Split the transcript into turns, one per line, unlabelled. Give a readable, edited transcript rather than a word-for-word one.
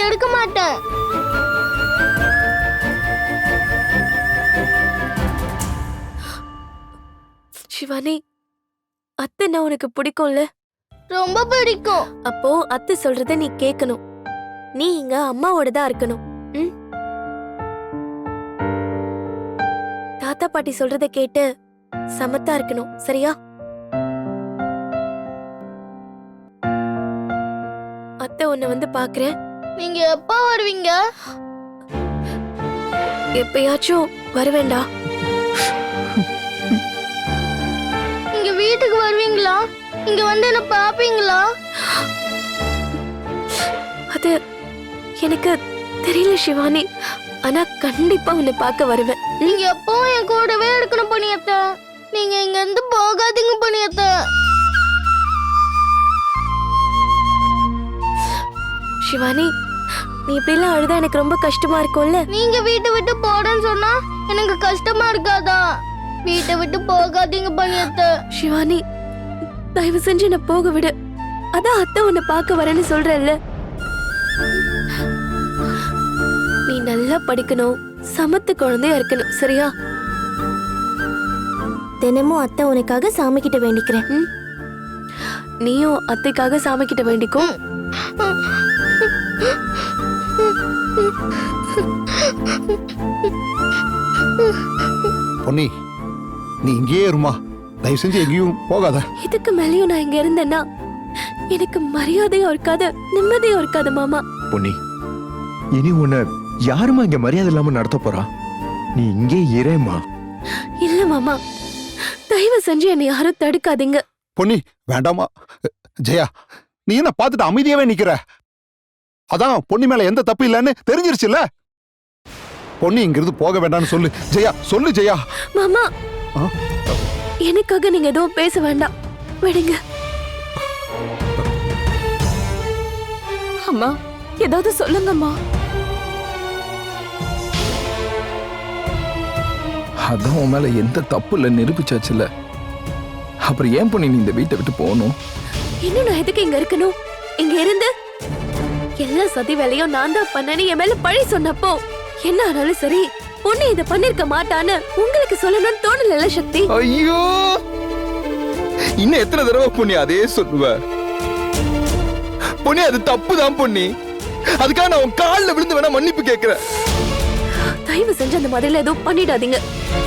எடுக்க மாட்டேன்.
சிவானி, அத்தைன்னா உனக்கு பிடிக்கும்ல?
ரொம்ப பிடிக்கும்.
அப்போ அத்தை சொல்றத நீ கேட்கணும். நீ இங்க அம்மாவோட தான் இருக்கணும். ம்? தாத்தா பாட்டி சொல்றத கேட்டு சமத்தா இருக்கணும், சரியா? அத்தை உன்னை வந்து பாக்குறேன்.
நீங்க எப்ப வருவீங்க?
எப்பயாச்சும் வருவேண்டா.
இங்க வீட்டுக்கு வருவீங்களா? இங்க வந்து என்ன பாப்பீங்களா?
அது எனக்கு தெரியல சிவானி, ஆனா கண்டிப்பா உன்னை பார்க்க வருவேன்.
நீங்க எப்பவும் என் கூடவே இருக்கணும் புனியத்தை. நீங்க இங்க இருந்து போகாதீங்க புனியத்தை.
சிவானி, நீ இப்படிலாம் அழுதா எனக்கு ரொம்ப கஷ்டமா இருக்கும்ல?
நீங்க வீட்டை விட்டு போறேன்னு சொன்னா எனக்கு கஷ்டமா இருக்காதா? வீட்டை விட்டு போகாதீங்க புனியத்தை.
சிவானி, தயவு செஞ்சு என்ன போக விடு. அதான் அத்தை உன்னை பார்க்க வரேன்னு சொல்றேன்ல. நீ நல்லா படிக்கணும், சமத்து குழந்தையா இருக்கணும், சரியா? தினமும் அத்தை உனக்காக சாமி கிட்ட வேண்டிக்கிறேன். நீயும் அத்தைக்காக சாமி கிட்ட வேண்டிக்கோ.
பொன்னி, நீ இங்கேயே இருமா. தயவு செஞ்சு எங்கேயும் போகாத.
இதுக்கு மேலேயும் நான் இங்க இருந்தேன்னா எனக்கு மரியாதையும் இருக்காது, நிம்மதியும் இருக்காது மாமா.
பொன்னி, இனி உன்னை யாருமா இங்க மரியாதை இல்லாம நடத்த போறா? நீ இங்கே இரேமா.
இல்ல மாமா, தயவு செஞ்சு என்னை யாரும் தடுக்காதீங்க.
பொன்னி, வேண்டாமா. ஜெயா, நீ என்ன பார்த்துட்டு அமைதியாவே நிக்கிற? அதான் பொன்னி மேல எந்த தப்பு இல்லைன்னு தெரிஞ்சிருச்சுல்ல. பொன்னி இங்கிருந்து போக வேண்டாம்னு சொல்லு ஜெயா, சொல்லு ஜெயா.
மாமா, எனக்காக நீங்க எதுவும் பேச வேண்டாம், விடுங்க. அம்மா, ஏதாவது சொல்லுங்கம்மா.
அதான் உன் மேல எந்த தப்பு இல்லை நிரூபிச்சாச்சுல. அப்புறம் ஏன் பொண்ணு நீ இந்த வீட்டை விட்டு போகணும்?
இன்னும் நான் எதுக்கு இங்க இருக்கணும்? இங்க இருந்து எல்லா சதி வேலையும் நான் தான் பண்ணேன்னு என் மேல பழி சொன்னப்போ என்ன ஆனாலும் சரி, பொண்ணு இதை பண்ணிருக்க மாட்டான்னு உங்களுக்கு சொல்லணும்னு தோணல சக்தி.
ஐயோ, இன்னும் எத்தனை தடவை பொண்ணி அதே சொல்லுவ? பொண்ணி, அது தப்புதான் பொண்ணி. அதுக்காக நான் உன் காலில் விழுந்து வேணா மன்னிப்பு கேட்கிறேன்.
தயவு செஞ்சு அந்த மாதிரில எதுவும் பண்ணிடாதீங்க.